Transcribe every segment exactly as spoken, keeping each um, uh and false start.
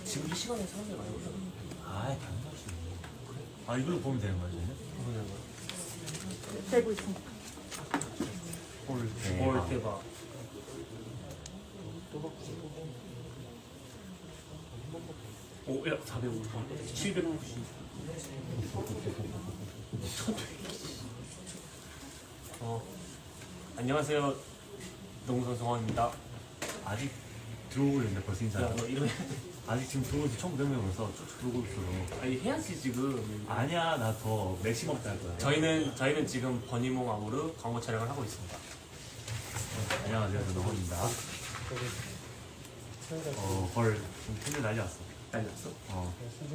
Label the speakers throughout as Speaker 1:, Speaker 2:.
Speaker 1: 지금 이 시간에 사람들 많이 오잖아.
Speaker 2: 아, 당연하지. 아, 이걸로 보면 되는 거야, 저는?
Speaker 3: 되고 있습니다.
Speaker 2: 홀
Speaker 1: 뭘 대박. 오, 야, 사백오십, 칠백구십. 어, 안녕하세요. 농선 성원입니다.
Speaker 2: 아직 들어오고 있는데 벌써 인사.
Speaker 1: 야, 너 이러면
Speaker 2: 아직 지금 들어오고 있어. 천구백 명에서 쭉 들어오고 있어.
Speaker 1: 아니 해야지 지금.
Speaker 2: 아니야, 나 더 맥시멈 딸 거야.
Speaker 1: 저희는 저희는 지금 버니몽 아모르 광고 촬영을 하고 있습니다.
Speaker 2: 안녕하세요, 저는 허입니다. 어, 헐. 지금 팬들 난리 났어.
Speaker 1: 난리 났어?
Speaker 2: 어.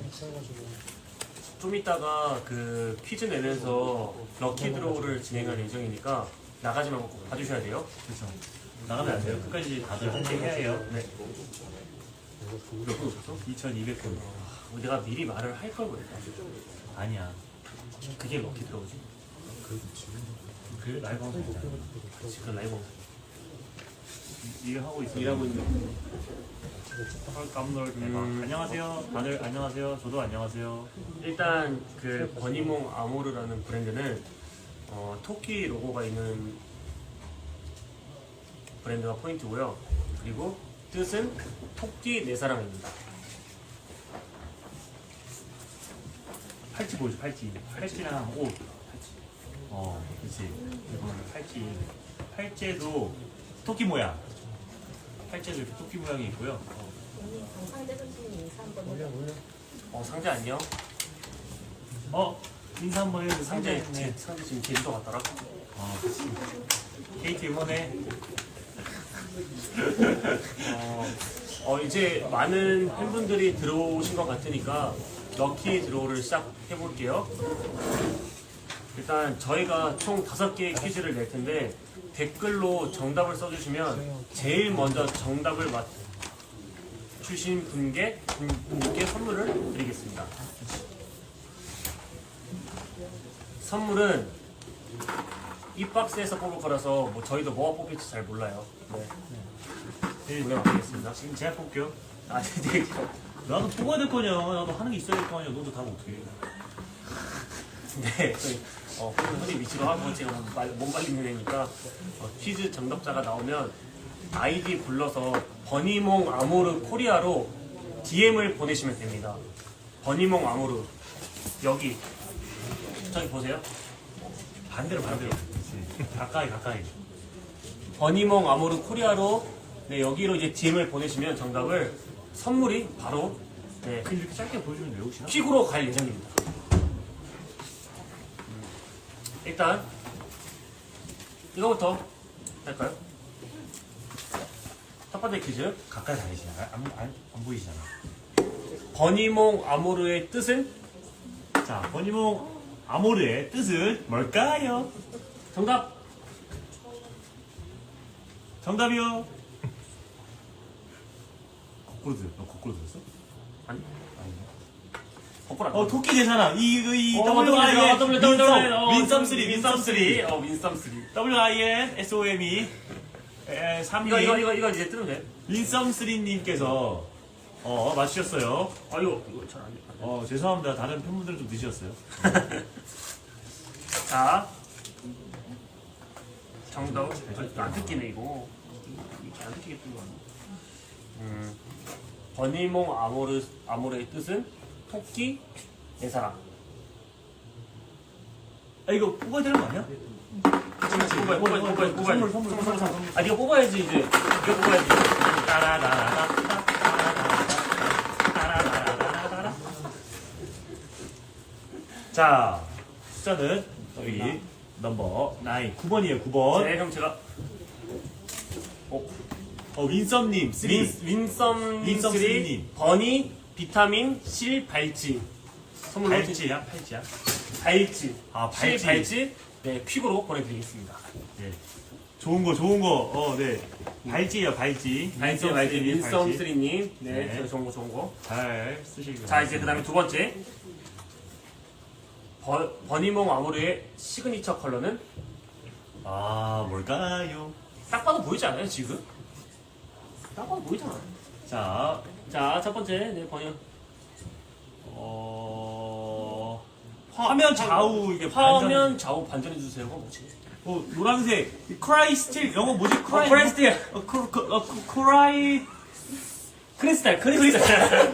Speaker 1: 좀 이따가 그 퀴즈 내면서 럭키 드로우를 진행할 예정이니까 나가지 말고 꼭 봐주셔야 돼요.
Speaker 2: 그렇죠. 나가면 안 돼요. 끝까지 다들 함께 해야 해요.
Speaker 1: 네. 몇 분 오셨어?
Speaker 2: 이천이백 분.
Speaker 1: 아, 내가 미리 말을 할 걸 그랬다.
Speaker 2: 아니야.
Speaker 1: 그게 럭키 드로우지?
Speaker 2: 그 라이브 방송이잖아.
Speaker 1: 지금 라이브 방송.
Speaker 2: 일을 하고 있어.
Speaker 1: 일하고 있는.
Speaker 2: 헐, 깜놀 대박.
Speaker 1: 음.
Speaker 2: 안녕하세요. 다들 안녕하세요. 저도 안녕하세요.
Speaker 1: 일단 그 버니몽 아모르라는 브랜드는 어, 토끼 로고가 있는 브랜드가 포인트고요. 그리고 뜻은 토끼 내 사랑입니다.
Speaker 2: 팔찌 보여줘, 팔찌. 팔찌랑 옷. 어, 그치. 이거는 팔찌. 팔찌에도 토끼 모양. 팔찌에도 이렇게 토끼 모양이 있고요. 어.
Speaker 4: 상대 선생님 인사 한번 해요.
Speaker 1: 어, 상대 안녕.
Speaker 2: 어, 인사 한번 해줘.
Speaker 1: 상대
Speaker 2: 상대.
Speaker 1: 제, 상대 지금 제주도 갔더라.
Speaker 2: 어, 그치. 케이티 응원해.
Speaker 1: 어, 어, 이제 많은 팬분들이 들어오신 것 같으니까 럭키 드로우를 시작해 볼게요. 일단 저희가 총 다섯 개의 퀴즈를 낼 텐데 댓글로 정답을 써주시면 제일 먼저 정답을 맞추신 분께, 분께 선물을 드리겠습니다. 선물은 이 박스에서 뽑을 거라서 뭐 저희도 뭐가 뽑힐지 잘 몰라요. 네. 네, 노래 맡기겠습니다.
Speaker 2: 지금 제가 볼게요.
Speaker 1: 아, 네.
Speaker 2: 나도 뽑아야 될 거냐. 나도 하는 게 있어야 될 거 아니야. 너도 다 못해.
Speaker 1: 네, 저희 어, 흔히 위치로 하고 제가 못 말리는 애니까 어, 퀴즈 정답자가 나오면 아이디 불러서 버니몽 아모르 코리아로 디엠을 보내시면 됩니다. 버니몽 아모르 여기 저기 보세요.
Speaker 2: 반대로, 반대로. 그치. 가까이, 가까이.
Speaker 1: 버니몽 아모르 코리아로 네, 여기로 이제 디엠을 보내시면 정답을 선물이 바로 네,
Speaker 2: 근데 이렇게 짧게 보여주면 왜 혹시나?
Speaker 1: 픽으로 갈 예정입니다. 음, 일단 이거부터 할까요? 첫 번째 퀴즈.
Speaker 2: 가까이 다니시잖아. 안, 안, 안 보이시잖아.
Speaker 1: 버니몽 아모르의 뜻은?
Speaker 2: 자, 버니몽 아모르의 뜻은 뭘까요?
Speaker 1: 정답!
Speaker 2: 정답이요. 거꾸로 들었어? 너 거꾸로 들었어?
Speaker 1: 아니,
Speaker 2: 아니네.
Speaker 1: 거꾸로 안
Speaker 2: 어, 토끼 대사나. 이, 이,
Speaker 1: 어,
Speaker 2: W I N.
Speaker 1: W, W, W, 어,
Speaker 2: 윈썸 쓰리, 윈썸
Speaker 1: 윈썸
Speaker 2: 쓰리.
Speaker 1: 어, 윈썸 쓰리.
Speaker 2: W I N S O M E. 에, 삼
Speaker 1: 이거,
Speaker 2: 님.
Speaker 1: 이거, 이거, 이거 이제 뜨면 돼.
Speaker 2: 윈썸 쓰리님께서, 어, 맞추셨어요.
Speaker 1: 아, 이거, 이거 잘 안 돼.
Speaker 2: 어, 죄송합니다. 다른 팬분들은 좀 늦으셨어요.
Speaker 1: 자. 정답. 아, 안 듣기네, 이거. 이렇게 안 듣기게 뜬 거 아니야? 음. 버니몽 아모르, 아모르의 뜻은 토끼, 내 사랑.
Speaker 2: 아, 이거 뽑아야 되는 거 아니야?
Speaker 1: 뽑아야, 뽑아야, 뽑아야, 뽑아야.
Speaker 2: 선물, 선물, 선물, 선물.
Speaker 1: 아, 이거 뽑아야지, 이제. 이거 뽑아야지.
Speaker 2: 따라라라라. 따라라라라라. 자, 숫자는 여기 넘버 나인, 구 번이에요, 구 번.
Speaker 1: 네, 형 제가. 어,
Speaker 2: 어, 윈썸님, 쓰
Speaker 1: 윈, 윈썸
Speaker 2: 윈썸
Speaker 1: 쓰리
Speaker 2: 쓰리님.
Speaker 1: 버니 비타민 실 발찌 선물로
Speaker 2: 팔찌야, 팔찌야.
Speaker 1: 발찌
Speaker 2: 아,
Speaker 1: 실
Speaker 2: 발찌.
Speaker 1: 발찌 네 퀵으로 보내드리겠습니다.
Speaker 2: 네. 좋은 거, 좋은 거. 어, 네. 발찌예요, 발찌.
Speaker 1: 발찌
Speaker 2: 윈썸
Speaker 1: 발찌
Speaker 2: 쓰리님,
Speaker 1: 윈썸
Speaker 2: 발찌.
Speaker 1: 쓰리님 네,
Speaker 2: 네.
Speaker 1: 저 좋은 거 좋은 거.
Speaker 2: 잘 쓰시길
Speaker 1: 자 이제 그다음에 두 번째 버, 버니몽 아모르의 시그니처 컬러는
Speaker 2: 아, 뭘까요?
Speaker 1: 딱 봐도 보이지 않아요 지금? 딱 봐도 보이잖아.
Speaker 2: 자,
Speaker 1: 자, 첫 번째, 네, 번역.
Speaker 2: 어 화면 좌우 이게
Speaker 1: 화면 좌우 반전해 주세요. 어, 뭐지?
Speaker 2: 어 노란색 크라이스틸 영어 뭐지? 크라이
Speaker 1: 크라이스틸.
Speaker 2: 어, 크, 크, 어, 크, 크라이
Speaker 1: 크리스탈, 크리스탈.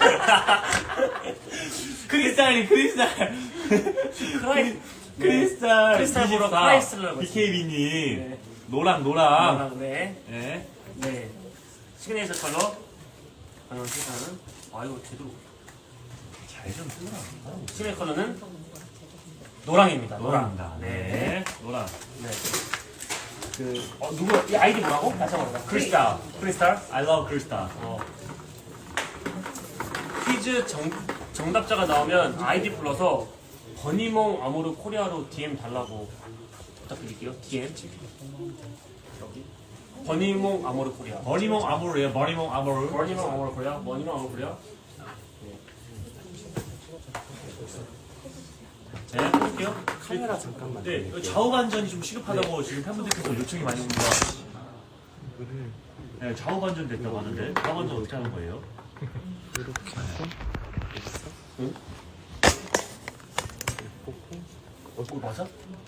Speaker 2: 크리스탈이 크리스탈
Speaker 1: 크라이,
Speaker 2: 크리스탈
Speaker 1: 크리스탈 보러
Speaker 2: 이십사.
Speaker 1: 크라이스를
Speaker 2: 비케이비님
Speaker 1: 네.
Speaker 2: 노랑 노랑
Speaker 1: 아, 네.
Speaker 2: 네.
Speaker 1: 네. 시그니처 컬러. 번역 시사는. 아, 이거 제대로.
Speaker 2: 잘좀 쓰라
Speaker 1: 시그니처 컬러는 노랑입니다. 노랑.
Speaker 2: 노랑입니다.
Speaker 1: 네.
Speaker 2: 네 노랑
Speaker 1: 네. 그, 어, 누구, 이 아이디 뭐라고? 다시 한번 해봐.
Speaker 2: 크리스탈
Speaker 1: 크리스탈.
Speaker 2: I love 크리스탈
Speaker 1: 어. 퀴즈 정, 정답자가 나오면 아이디 불러서 버니몽 아모르 코리아로 디엠 달라고 부탁드릴게요. 디엠. 여기. 버니몽 아모르 코리아.
Speaker 2: 버니몽 아모르예요 버니몽 아모르
Speaker 1: 버니몽 아모르 코리아. 버니몽 아모르 코리아.
Speaker 2: 네 해볼게요
Speaker 3: 카메라 잠깐만.
Speaker 2: 네 이거 좌우 반전이 좀 시급하다고 지금 팬분들께서 요청이 많이 옵니다 네 좌우 반전 됐다고 하는데 좌우 반전 어떻게 하는 거예요?
Speaker 3: 이렇게 해서
Speaker 1: 응?
Speaker 3: 보고
Speaker 1: 어, 맞아?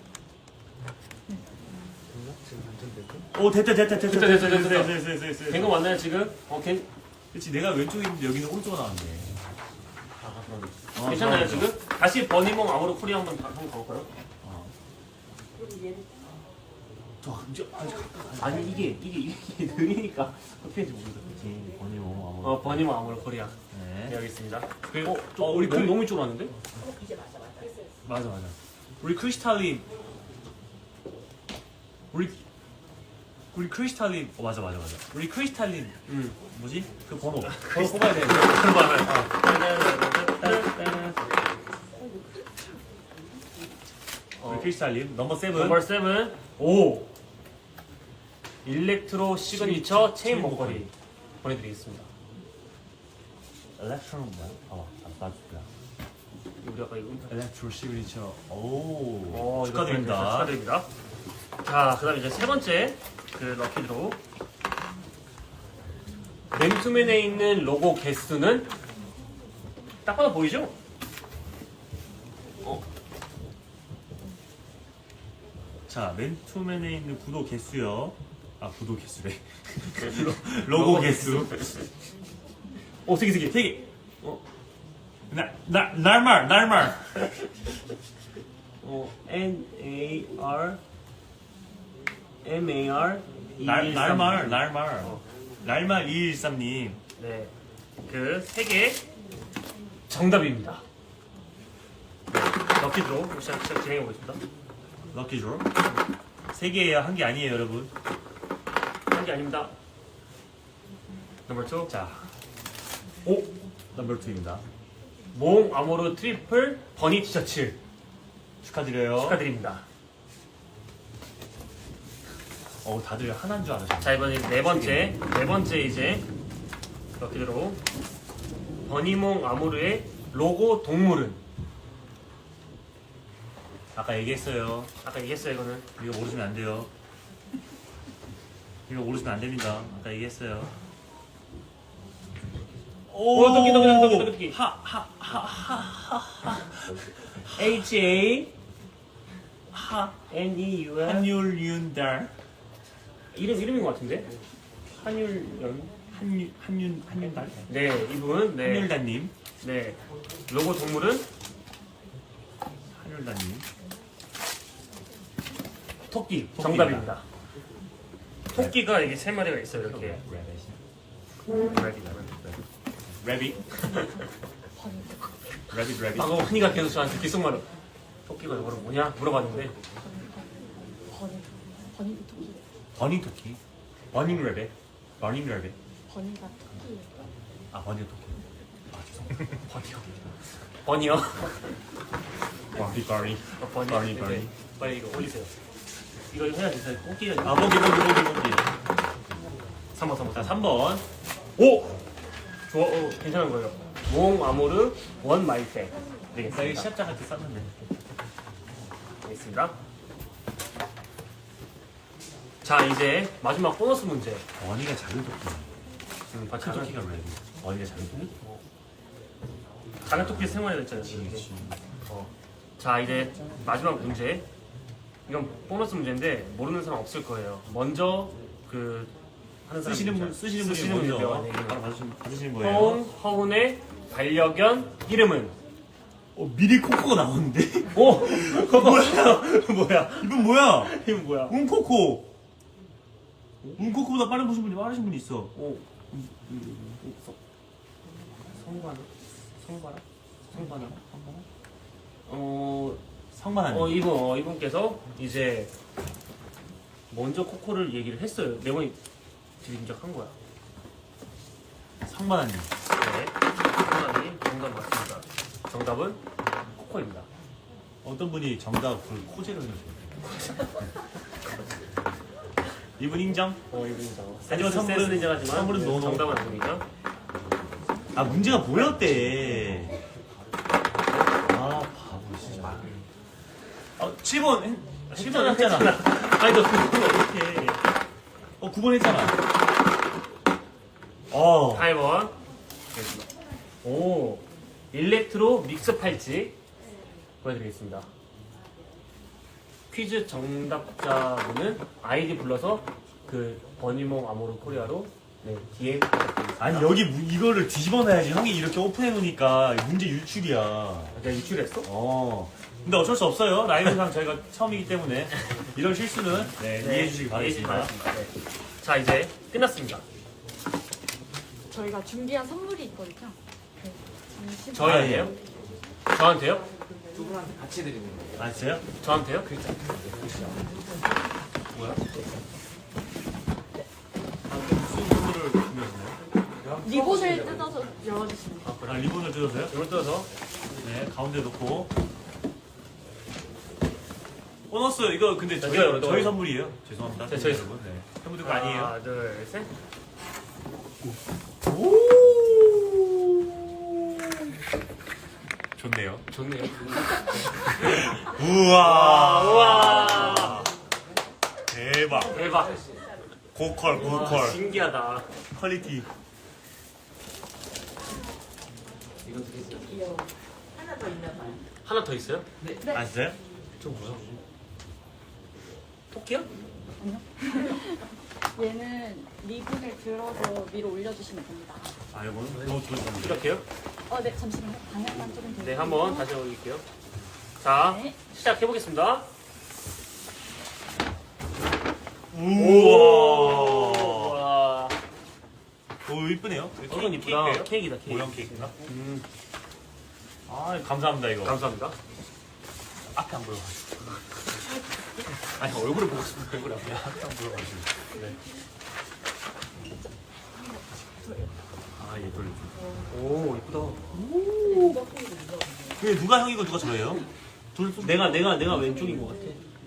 Speaker 3: 됐나? 지금 완전 되고.
Speaker 2: 오 됐다 됐다 됐다
Speaker 1: 됐다, 됐다, 됐다.
Speaker 2: 됐다 됐다 됐다 됐다
Speaker 1: 된 거 맞나요, 지금? 어, 괜,
Speaker 2: 그렇지 내가 왼쪽에 있는데 여기는 오른쪽으로 나왔네
Speaker 1: 아, 그럼.
Speaker 2: 어,
Speaker 1: 괜찮나요,
Speaker 2: 좋아,
Speaker 1: 지금? 다시 버니몽 아모르 코리아 한번, 다- 한번 가볼까요?
Speaker 2: 어.
Speaker 1: 저, 이제, 아직 가까 아니, 이게, 이게, 이게 느리니까 어떻게 할지 모르겠어.
Speaker 2: 그렇지 버니몽 아모르
Speaker 1: 어, 버니몽 아모르 코리아.
Speaker 2: 네
Speaker 1: 네, 알겠습니다.
Speaker 2: 그리고
Speaker 1: 어, 저,
Speaker 2: 어,
Speaker 1: 우리
Speaker 2: 우리
Speaker 1: 너무,
Speaker 2: 그-
Speaker 1: 너무 이쪽으로 왔는데?
Speaker 4: 이제 맞아 맞아.
Speaker 2: 맞아 맞아 우리 크리스탈린 우리 우리 크리스탈린 어 맞아 맞아 맞아 우리 크리스탈린
Speaker 1: 응.
Speaker 2: 뭐지 그 번호 번호 뽑아야 돼 우리 크리스탈린 넘버 세븐
Speaker 1: 넘버 세븐. 오. 일렉트로 시그니처 체인
Speaker 2: 체인
Speaker 1: 목걸이 보내드리겠습니다.
Speaker 2: 엘렉트로 뭐야? 어 맞다
Speaker 1: 우리 아까 이거
Speaker 2: 엘렉트로 시그니처 오
Speaker 1: 어, 이거
Speaker 2: 축하드립니다
Speaker 1: 축하드립니다. 자, 그 다음에 이제 세 번째 그 럭키드로우. 맨투맨에 있는 로고 개수는 딱 봐도 보이죠? 어,
Speaker 2: 자 맨투맨에 있는 구독 개수요 아 구독 개수래 로고 개수
Speaker 1: 어, 되게 되게.
Speaker 2: 되게 어 나, 날말 날말
Speaker 1: 어, N A R M A R
Speaker 2: 날, 날말 날말
Speaker 1: 어.
Speaker 2: 날말 이일삼님
Speaker 1: 네, 그 세 개 정답입니다. 네, 럭키드로우 시작, 시작 진행해 보겠습니다.
Speaker 2: 럭키드로 세 개예요 한 개 아니에요 여러분
Speaker 1: 한 게 아닙니다. 넘버 투.
Speaker 2: 자 오 넘버 투입니다
Speaker 1: 몽 아모르 트리플 버니 티셔츠
Speaker 2: 축하드려요
Speaker 1: 축하드립니다.
Speaker 2: 어 다들 하나인 줄 알았어요
Speaker 1: 자, 이번에 네 번째 네 번째 이제 럭키드로우. 버니몽 아모르의 로고 동물은
Speaker 2: 아까 얘기했어요
Speaker 1: 아까 얘기했어요. 이거는
Speaker 2: 이거 모르시면 안 돼요 이거 모르시면 안 됩니다 아까 얘기했어요
Speaker 1: 오, 토끼, 토끼, 토끼, 토끼, 토끼.
Speaker 2: 하하하하하
Speaker 1: H A N E U N
Speaker 2: 한율 윤달
Speaker 1: 이름 이름인 것 같은데 한율연.
Speaker 2: 한윤 한윤 한윤달
Speaker 1: 네, 이분. 네,
Speaker 2: 한율달님
Speaker 1: 네. 로고 동물은
Speaker 2: 한율달님
Speaker 1: 토끼.
Speaker 2: 토끼입니다.
Speaker 1: 정답입니다. 토끼가 이게 세 마리가 있어요. 이렇게.
Speaker 2: 래빗 래빗 래빗
Speaker 1: 방금 흔히가 계속 저한테 귓속말로 토끼가 이거를 뭐냐 물어봤는데
Speaker 4: 버니 버니 토끼.
Speaker 2: 버닝 토끼 버닝 래빗 버닝 래빗
Speaker 4: 버니가 토끼.
Speaker 2: 아 버닝 토끼 아 죄송
Speaker 1: 버니요. 버니요.
Speaker 2: 버니 버니
Speaker 1: 어, 버니.
Speaker 2: 버니,
Speaker 1: 네,
Speaker 2: 버니.
Speaker 1: 네. 빨리 이거 올리세요. 이거 해야 돼요. 토끼가.
Speaker 2: 아 보기 보기 보기 보기
Speaker 1: 삼 번, 삼 번.
Speaker 2: 자 삼 번
Speaker 1: 오! 좋아, 어, 괜찮은 거예요. 몽 아모르 원 마이백.
Speaker 2: 나 이거
Speaker 1: 되겠습니다.
Speaker 2: 시합장 때 쌌는데
Speaker 1: 되겠습니다. 자, 이제 마지막 보너스 문제.
Speaker 2: 버니가 작은 토끼
Speaker 1: 음,
Speaker 2: 큰
Speaker 1: 바치는
Speaker 2: 토끼가 래빗 어디가 장토끼?
Speaker 1: 장난토끼 생활이 됐잖아요. 이게. 어. 자 이제 마지막 문제. 이건 보너스 문제인데 모르는 사람 없을 거예요. 먼저 그 하는 사람
Speaker 2: 쓰시는 분
Speaker 1: 있죠?
Speaker 2: 쓰시는 분이
Speaker 1: 쓰시는
Speaker 2: 먼저
Speaker 1: 분이
Speaker 2: 바로
Speaker 1: 바로
Speaker 2: 받으시는, 받으시는 거예요.
Speaker 1: 허운 허운의 반려견 이름은
Speaker 2: 어, 미리 코코가 나오는데?
Speaker 1: 오 뭐야 뭐야
Speaker 2: 이분 뭐야?
Speaker 1: 이건 뭐야?
Speaker 2: 운코코. 운코코보다 빠른 보신 분이 빠르신 분이 있어.
Speaker 1: 오 성바나 성바라 성바나 성바나 어
Speaker 2: 상만하네.
Speaker 1: 어 이분 어 이분께서 이제 먼저 코코를 얘기를 했어요. 네 번이 들인적한 거야.
Speaker 2: 상만하님.
Speaker 1: 네, 코코님 정답 맞습니다. 정답은 코코입니다.
Speaker 2: 어떤 분이 정답 그 코제로 해주세요. 이분 인정?
Speaker 1: 어 이분이다.
Speaker 2: 하지만 선물은-
Speaker 1: 인정하지만
Speaker 2: 선물은
Speaker 1: 네,
Speaker 2: 노노.
Speaker 1: 정답은 아닙니다.
Speaker 2: 아 문제가 뭐였대? 아 바보 진짜. 어 칠 번 칠 번 했잖아.
Speaker 1: 아니 너 그거 어떻게?
Speaker 2: 어 구 번 했잖아. 어.
Speaker 1: 팔 번. 오 일렉트로 믹스 팔찌 보여드리겠습니다. 퀴즈 정답자분은 아이디 불러서 그 버니몽 아모르 코리아로 네 디엠 부탁드리겠습니다.
Speaker 2: 아니 여기 무- 이거를 뒤집어놔야지. 형이 이렇게 오픈해 놓으니까 문제 유출이야.
Speaker 1: 내가 유출했어?
Speaker 2: 어. 근데 어쩔 수 없어요. 라이브상 저희가 처음이기 때문에 이런 실수는 네, 이해해 주시기 바라겠습니다.
Speaker 1: 네. 자 이제 끝났습니다.
Speaker 4: 저희가 준비한 선물이 있거든요. 네, 잠시만.
Speaker 1: 저희한테요? 저한테요?
Speaker 3: 두 분한테 같이 드리는 거예요.
Speaker 2: 아셨어요?
Speaker 1: 저한테요?
Speaker 2: 뭐야? 아, 무슨 선물을 준비하셨나요?
Speaker 4: 리본을 뜯어서 열어주시면 돼요.
Speaker 2: 아, 리본을 뜯어서요?
Speaker 1: 이걸 뜯어서
Speaker 2: 네, 가운데 놓고. 보너스 이거 근데 저희,
Speaker 1: 이거, 이거.
Speaker 2: 저희 선물이에요. 죄송합니다.
Speaker 1: 네, 저희
Speaker 2: 여러분. 네. 팬분들 거 아니에요.
Speaker 1: 하나 둘셋
Speaker 2: 오. 좋네요.
Speaker 1: 좋네요.
Speaker 2: 우와.
Speaker 1: 우와
Speaker 2: 대박.
Speaker 1: 대박.
Speaker 2: 고퀄,
Speaker 1: 와,
Speaker 2: 고퀄.
Speaker 1: 신기하다.
Speaker 2: 퀄리티.
Speaker 3: 이거 드리세요.
Speaker 4: 귀여워. 하나 더 있나 봐요.
Speaker 1: 하나 더 있어요?
Speaker 2: 아셨어요?
Speaker 1: 저 무슨 토끼요?
Speaker 4: 얘는 리본을 들어서 위로 올려주시면 됩니다.
Speaker 2: 아, 이거는 너무 좋은
Speaker 1: 이렇게요?
Speaker 4: 어, 네, 잠시만요. 방향만 조금 더.
Speaker 1: 네, 한번 다시 올릴게요. 자,
Speaker 4: 네.
Speaker 1: 시작해 보겠습니다.
Speaker 2: 우와.
Speaker 1: 와,
Speaker 2: 오, 이쁘네요.
Speaker 1: 이건 이쁘다.
Speaker 2: 케이크예요?
Speaker 1: 케이크다, 케이크.
Speaker 2: 모형 케이크인가?
Speaker 1: 음,
Speaker 2: 아, 감사합니다, 이거.
Speaker 1: 감사합니다.
Speaker 2: 앞에 안 보여가지고.
Speaker 1: 아니 얼굴을 보고 싶은 얼굴 앞에.
Speaker 2: 앞에 안 보여가지고.
Speaker 1: 네.
Speaker 2: 아, 얘 돌려줘.
Speaker 1: 오, 이쁘다.
Speaker 2: 근데 누가 형이고 누가 저예요?
Speaker 1: 둘, 내가 내가 내가 왼쪽인 것 같아.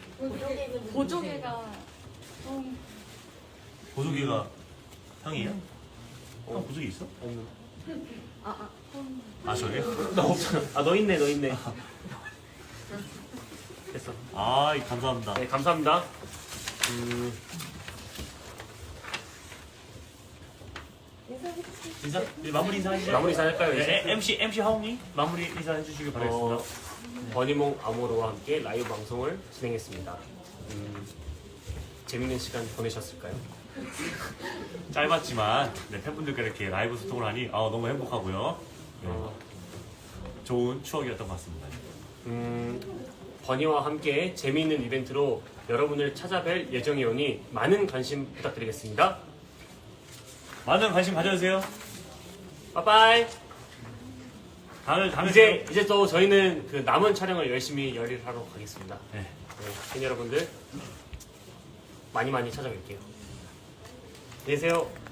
Speaker 4: 보조개가 좀
Speaker 2: 보조개가 형이에요? 형 보조개 있어?
Speaker 1: 없는.
Speaker 4: 아, 아, 좀
Speaker 2: 아, 저예요?
Speaker 1: 나 없잖아. 아, 너 있네, 너 있네. 됐어.
Speaker 2: 아, 감사합니다.
Speaker 1: 네, 감사합니다. 음,
Speaker 2: 인사? 네, 마무리 인사 해주세요.
Speaker 1: 마무리 인사할까요, 이제?
Speaker 2: 네, 엠씨, 엠씨 하옹이 마무리 인사 해주시길 바라겠습니다.
Speaker 1: 어, 버니몽 아모르와 함께 라이브 방송을 진행했습니다. 음, 재밌는 시간 보내셨을까요?
Speaker 2: 짧았지만 네, 팬분들과 이렇게 라이브 소통을 하니 아, 너무 행복하고요. 네,
Speaker 1: 어,
Speaker 2: 좋은 추억이었던 것 같습니다.
Speaker 1: 음, 버니와 함께 재미있는 이벤트로 여러분을 찾아뵐 예정이오니 많은 관심 부탁드리겠습니다.
Speaker 2: 많은 관심 가져주세요.
Speaker 1: 빠빠이.
Speaker 2: 다음에, 다음에
Speaker 1: 이제 이제 또 저희는 그 남은 촬영을 열심히 열일하러 가겠습니다.
Speaker 2: 네.
Speaker 1: 네, 팬 여러분들 많이 많이 찾아뵐게요. 안녕히 계세요.